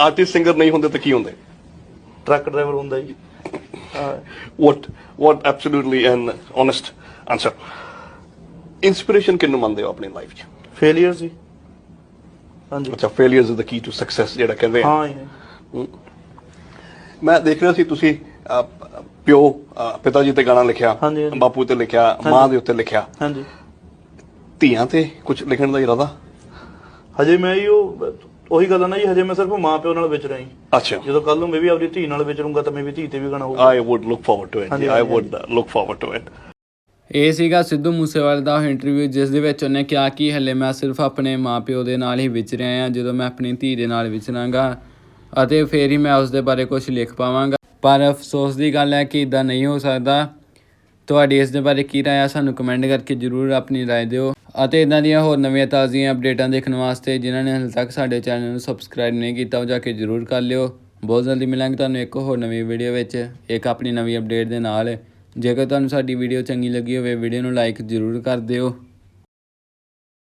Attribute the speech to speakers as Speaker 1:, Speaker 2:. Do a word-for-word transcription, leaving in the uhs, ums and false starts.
Speaker 1: Artist singer ਨਹੀਂ ਹੁੰਦੇ ਤਾਂ ਕੀ ਹੁੰਦੇ?
Speaker 2: ਟਰੱਕ ਡਰਾਈਵਰ ਹੁੰਦਾ ਜੀ।
Speaker 1: what what absolutely an honest answer. Inspiration ਕਿਹਨੂੰ ਮੰਨਦੇ ਹੋ ਆਪਣੀ ਲਾਈਫ 'ਚ?
Speaker 2: ਫੇਲੀਅਰ ਸੀ। ਹਾਂਜੀ
Speaker 1: ਅੱਛਾ, failures is the key to success ਜਿਹੜਾ ਕਹਿੰਦੇ ਆ।
Speaker 2: ਹਾਂ ਜੀ।
Speaker 1: ਮੈਂ ਦੇਖ ਰਿਹਾ ਸੀ ਤੁਸੀਂ ਅਹ, ਪਿਓ ਅਹ, ਪਿਤਾ ਜੀ ਤੇ ਗਾਣਾ ਲਿਖਿਆ,
Speaker 2: ਹਾਂਜੀ, ਹਾਂਜੀ।
Speaker 1: ਬਾਪੂ ਤੇ ਲਿਖਿਆ, ਮਾਂ ਦੇ ਉੱਤੇ ਲਿਖਿਆ,
Speaker 2: ਹਾਂਜੀ
Speaker 1: ਧੀਆਂ ਤੇ ਕੁਝ ਲਿਖਣ ਦਾ ਇਰਾਦਾ?
Speaker 2: ਹਜੇ ਮੈਂ ਜੀ ਉਹ ਉਹੀ ਗੱਲ ਆ ਨਾ ਜੀ, ਹਜੇ ਮੈਂ ਸਿਰਫ ਮਾਂ ਪਿਓ ਨਾਲ ਵਿਚਰਾਂ ਜੀ।
Speaker 1: ਅੱਛਾ,
Speaker 2: ਜਦੋਂ ਕੱਲ ਨੂੰ ਮੈਂ ਵੀ ਆਪਣੀ ਧੀ ਨਾਲ ਵਿਚਰੂੰਗਾ ਤਾਂ ਮੈਂ ਵੀ ਧੀ ਤੇ ਵੀ ਗਾਣਾ ਹੋਊਗਾ।
Speaker 1: I would look forward to it.
Speaker 2: ਹਾਂਜੀ,
Speaker 1: I
Speaker 2: ਹਾਂਜੀ,
Speaker 1: would uh, look forward to it.
Speaker 3: ਇਹ ਸੀਗਾ ਸਿੱਧੂ ਮੂਸੇਵਾਲੇ ਦਾ ਇੰਟਰਵਿਊ, ਜਿਸ ਦੇ ਵਿੱਚ ਉਹਨੇ ਕਿਹਾ ਕਿ ਹਲੇ ਮੈਂ ਸਿਰਫ ਆਪਣੇ ਮਾਪਿਓ ਦੇ ਨਾਲ ਹੀ ਵਿਚਰਿਆ ਹਾਂ, ਜਦੋਂ ਮੈਂ ਆਪਣੀ ਧੀ ਦੇ ਨਾਲ ਵਿਚਰਾਂਗਾ ਅਤੇ ਫਿਰ ਹੀ ਮੈਂ ਉਸ ਦੇ ਬਾਰੇ ਕੁਝ ਲਿਖ ਪਾਵਾਂਗਾ। ਪਰ ਅਫਸੋਸ ਦੀ ਗੱਲ ਹੈ ਕਿ ਇੱਦਾਂ ਨਹੀਂ ਹੋ ਸਕਦਾ। ਤੁਹਾਡੀ ਇਸ ਦੇ ਬਾਰੇ ਕੀ ਰਾਏ ਆ, ਸਾਨੂੰ ਕਮੈਂਟ ਕਰਕੇ ਜ਼ਰੂਰ ਆਪਣੀ ਰਾਏ ਦਿਓ। ਅਤੇ ਇੱਦਾਂ ਦੀਆਂ ਹੋਰ ਨਵੀਆਂ ਤਾਜ਼ੀਆਂ ਅਪਡੇਟਾਂ ਦੇਖਣ ਵਾਸਤੇ ਜਿਨ੍ਹਾਂ ਨੇ ਹਾਲੇ ਤੱਕ ਸਾਡੇ ਚੈਨਲ ਨੂੰ ਸਬਸਕ੍ਰਾਈਬ ਨਹੀਂ ਕੀਤਾ, ਉਹ ਜਾ ਕੇ ਜ਼ਰੂਰ ਕਰ ਲਿਓ। ਬਹੁਤ ਜਲਦੀ ਮਿਲਾਂਗੇ ਤੁਹਾਨੂੰ ਇੱਕ ਹੋਰ ਨਵੀਂ ਵੀਡੀਓ ਵਿੱਚ, ਇੱਕ ਆਪਣੀ ਨਵੀਂ ਅਪਡੇਟ ਦੇ ਨਾਲ। ਜੇਕਰ ਤੁਹਾਨੂੰ ਸਾਡੀ ਵੀਡੀਓ ਚੰਗੀ ਲੱਗੀ ਹੋਵੇ, ਵੀਡੀਓ ਨੂੰ ਲਾਈਕ ਜ਼ਰੂਰ ਕਰ ਦਿਓ।